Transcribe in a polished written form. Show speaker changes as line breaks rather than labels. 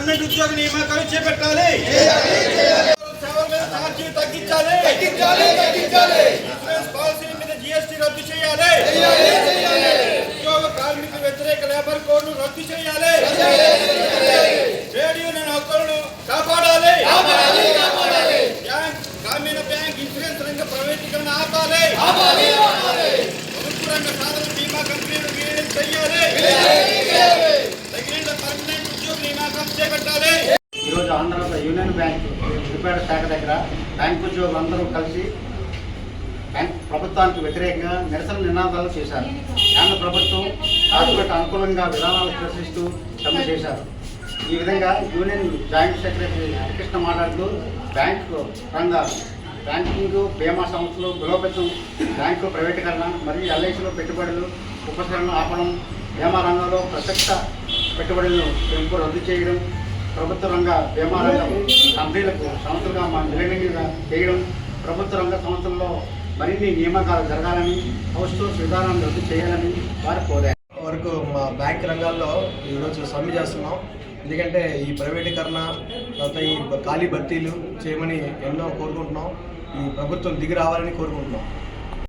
Permanent ఉద్యోగ నియామకాలు చేపట్టాలి. సేవల మీద ఛార్జీలు తగ్గించాలి. ఇన్సూరెన్స్ పాలసీ మీద GST రద్దు చేయాలి. ఉద్యోగ కార్మిక వ్యతిరేక లేబర్ కోడ్ను రద్దు చేయాలి. ట్రేడ్ యూనియన్ హక్కులను కాపాడాలి. గ్రామీణ బ్యాంక్ ఇన్సూరెన్స్ రంగ ప్రైవేటీకరణ ఆపాలి. ప్రభుత్వ రంగ సాధారణ బీమా కంపెనీలు విలీనం చేయాలి. తగిన పర్మనెంట్ ఉద్యోగ నియామకం చేపట్టాలి.
ఈరోజు ఆంధ్రప్రదేశ్ యూనియన్ బ్యాంక్ రిపేర్ శాఖ దగ్గర బ్యాంకు ఉద్యోగులందరూ కలిసి బ్యాంక్ ప్రభుత్వానికి వ్యతిరేకంగా నిరసన నినాదాలు చేశారు. కేంద్ర ప్రభుత్వం కార్పొరేట్ అనుకూలంగా విధానాలు ప్రశ్నిస్తూ సమ్మె చేశారు. ఈ విధంగా యూనియన్ జాయింట్ సెక్రటరీ హరికృష్ణ మాట్లాడుతూ బ్యాంకింగ్ బీమా సంస్థలు బలోపేతం, బ్యాంకు ప్రైవేటీకరణ మరియు LICలో పెట్టుబడులు ఉపసరణ ఆపడం, బీమా రంగంలో ప్రత్యక్ష పెట్టుబడులను పెంపు రద్దు చేయడం, ప్రభుత్వ రంగ బీమా రంగం కంపెనీలకు సంస్థలుగా విలీనంగా చేయడం, ప్రభుత్వ రంగ సంస్థల్లో మరిన్ని నియామకాలు జరగాలని, అవుట్సోర్స్ విధానాన్ని రద్దు చేయాలని వారు కోరారు.
వరకు మా బ్యాంక్ రంగాల్లో ఈరోజు సమ్మె చేస్తున్నాం. ఎందుకంటే ఈ ప్రైవేటీకరణ తర్వాత ఈ ఖాళీ భర్తీలు చేయమని ఎన్నో కోరుకుంటున్నాం. ఈ ప్రభుత్వం దిగి రావాలని కోరుకుంటున్నాం.